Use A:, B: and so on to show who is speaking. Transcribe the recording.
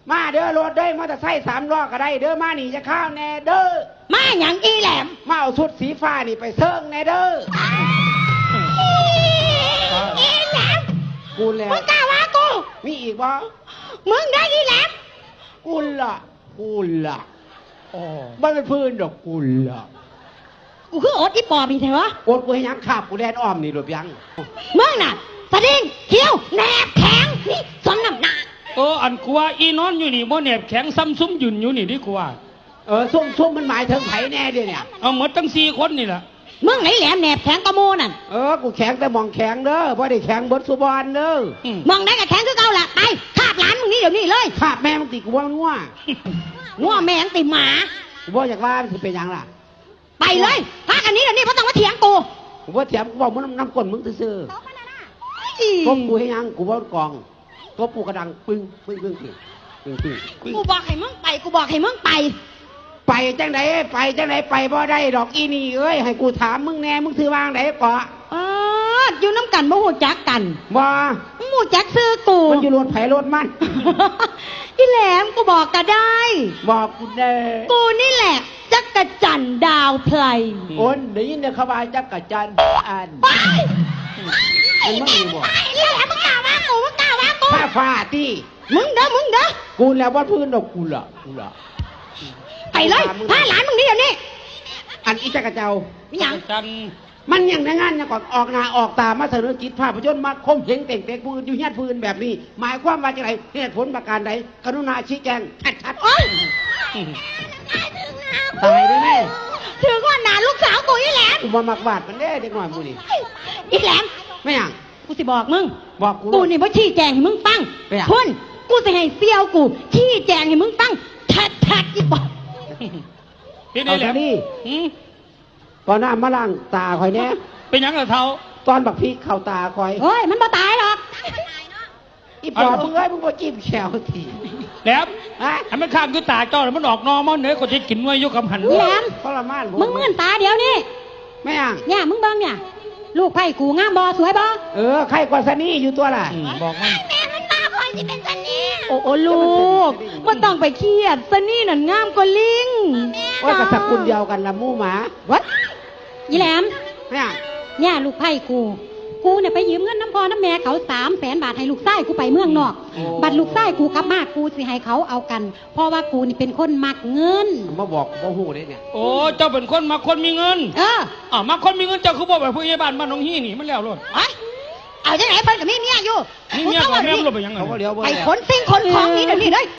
A: มาเด้อรถเด้อมอเตอร์ไซค์3 ล้อก็ได้เด้อมานี่จะข้าวแน่เด้อ
B: มาอย่างอีแหลม
A: มาเอาชุดสีฟ้านี่ไปเซิงแน่เด้อ
B: อีแหลม
A: กูแล้ว
B: มึงกล้าว่ากู
A: มีอีกบ่
B: มึงได้อีแหลม
A: กูล่ะบ้านเป็นพื้นดอกกูล่ะ
B: กูคืออดอีปอบนี่เถอะ
A: อดกูให้ยังขับกูแดนอ้อมนี่หรือยัง
B: มึงน่ะสะดิ้งเขี้ยวแหนบแข็งนี่สมน้ำหน้า
C: อันกูว่าอีนอนอยู่นี่บ่แนบแข็งซ้ำซุ้มยืนอยู่นี่ดิกูว่า
A: ซุ่มมันหมายถึงไผแน่เดี๋ยวเนี่ย
C: เอาหมดทั้ง4 คนนี่แหละ
B: มึงไหนแหลมแหนบแข็งกระโมนั่น
A: กูแข็งแต่มองแข็งเด้อบ่ได้แข็งเบิดสุบอนเด้อ
B: มองได้กับแข็งคือเก่าล่ะไปคาบหลานมึงนี่เดี๋ยวนี้เลย
A: คาบแม่มึงติกูว่า
B: ง่วแม่งติหมา
A: กูบ่อยากว่ามันสิเป็นยังล่ะ
B: ไปเลยพากันนี้เดี๋ยวนี้เพราะต้องมาเถียงกู
A: บ่เถียงกูบอกมึงน้ำก้นมึงซื่อๆก็กูให้ยังกูบ่กองก็ปูกระดังปึ้ง
B: กูบอกให้มึงไป
A: ไปจังไหนไปบ่ได้ดอกอีนี่เอ้ยให้กูถามมึงแน่มึงถือวางไหนเกาะ
B: อยู่น้ำกันบ่หูจักกัน
A: บ่
B: หูจักซื้อกู
A: มันอยู่รถไผรถมัน
B: อีแหลมกูบอกก็ได้
A: บอกกูแน่
B: กูนี่แหละจักรจันทร์ดาวไพร
A: ได้ยินเนี่ยเขาว่าจักรจันทร์อัน
B: มึงบอกอีแหลมมึงกล่าวว่ากู
A: ฟ้าตี
B: มึงเด้อ
A: กูแล้วว่าพื้นดอกกูล่ะ
B: ไปเลยพาหลานมึงนี่เดี๋ยวนี้
A: อันอีจักรเจ้า
B: อย่าง
A: มันอย่างในงานอย่างก่อนออกหน้าออกตามาเสนอจิตภาพยนตร์มาคมเหงเต่งปืนอยู่เฮี้ยนปืนแบบนี้หมายความว่าจะไรเหตุผลประการใดกรุณาชี้แจงชัดๆตายได้ไหม
B: ถึงว่าหนาลูกสาวกูอีแหลม
A: กูมาหมักบาดมันเด้เด็กหน่อยกูนี่
B: อีแหลม
A: ไม่อย่าง
B: กูสิบอกมึง
A: บอก
B: กูนี่ว่าชี้แจงให้มึงฟังคุณกูจะให้เซี่ยวกูชี้แจงให้มึงฟังทัดอีปอบ
A: เอาซะนี่ตอนน้ำมาล้างตาคอยเนี้ย
C: เป็นยังไงเท้า
A: ตอนบักพีเข้าตาคอย
B: เฮ้ยมันบ่ตายหรอก
A: อีปอบมึงมึงบ่จิ้มแขวที
C: แล้วอันมันข้ามคือตาเจ้าแล้วมันออกนอมันเนื้อก็จะกินไว้ยกคำหัน
B: แหลม
A: ทรมาน
B: มึงมื่นตาเดี๋ยวนี้
A: ไม่อ่ะ
B: เนี่ยมึงเบิ่งเนี่ยลูกไผ่กูงามบ่สวยบ่
A: ใครกว่าซันนี่อยู่ตัวล่ะ
C: บอกมัน
B: แม่มันมาคอยสิเป็นซันนี่โอ้ลูกว่าต้องไปเครียดซันนี่นั่นงามกว่าลิง
A: ว่ากับสกุลเดียวกันละมู่หมาวัด
B: ยี่แหลม
A: เนี่ย
B: ลูกไผ่กูเนี่ยไปยืมเงินน้ำพ่อน้ำแม่เขา300,000 บาทให้ลูกไส้กูไปเมืองนอกบัตรลูกไส้กูกลับมากูสิให้เขาเอากันเพราะว่ากูนี่เป็นคนมักเงิน
A: มาบอกบ่ฮู้ได้เนี่ย
C: เจ้าเป็นคนมักคนมีเงินมักคนมีเงินเจ้าคือบอกแบบผู้ใหญ่บ้านบ้านน้องฮี่นี่มันแล้วโลด
B: เอาจังไหนเพิ่นกับมีเมียอยู่
C: มีเมียกับแม่มันลงไปยังไง
B: ไปขนสิ่งขนของนี้เดี๋ยวนี้เลย